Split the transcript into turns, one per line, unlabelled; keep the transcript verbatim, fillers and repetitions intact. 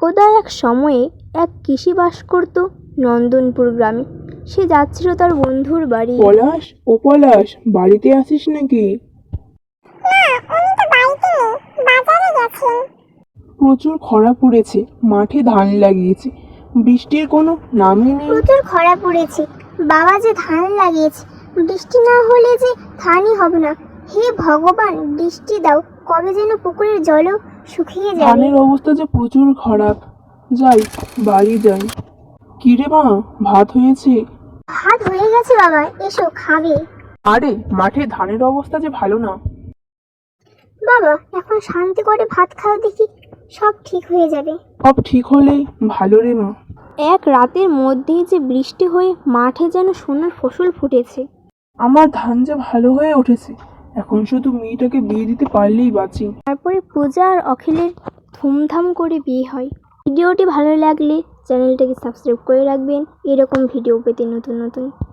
একদা এক সময়ে এক কৃষি বাস করত নন্দনপুর গ্রামে। সে যাচ্ছিল তার বন্ধুর বাড়ি।
পলাশ, ও পলাশ, বাড়িতে আসিস নাকি? প্রচুর খরা পড়েছে, মাঠে ধান লাগিয়েছে, বৃষ্টির কোনো নামই নেই।
প্রচুর খরা পড়েছে, বাবা যে ধান লাগিয়েছে, বৃষ্টি না হলে যে ধানই হবে না। হে ভগবান, বৃষ্টি দাও, কবে যেন পুকুরের জলও শুকিয়ে যাবে।
ধানের অবস্থা যে প্রচুর খারাপ। যাই, বাড়ি যাই। কিরে মা, ভাত হয়েছে?
ভাত হয়ে গেছে বাবা, এসো খাবে।
আরে, মাঠে ধানের অবস্থা যে ভালো না।
বাবা, এখন শান্তি করে ভাত খাও দেখি, সব ঠিক হয়ে যাবে।
সব ঠিক হলেই ভালো রে মা।
এক রাতের মধ্যেই যে বৃষ্টি হয়ে মাঠে যেন সোনার ফসল ফুটেছে।
আমার ধান যে ভালো হয়ে উঠেছে, এখন শুধু মেয়েটাকে বিয়ে দিতে পারলেই বাঁচি।
তারপরে পূজা আর অখিলের ধুমধাম করে বিয়ে হয়। ভিডিওটি ভালো লাগলে চ্যানেলটাকে সাবস্ক্রাইব করে রাখবেন এরকম ভিডিও পেতে নতুন নতুন।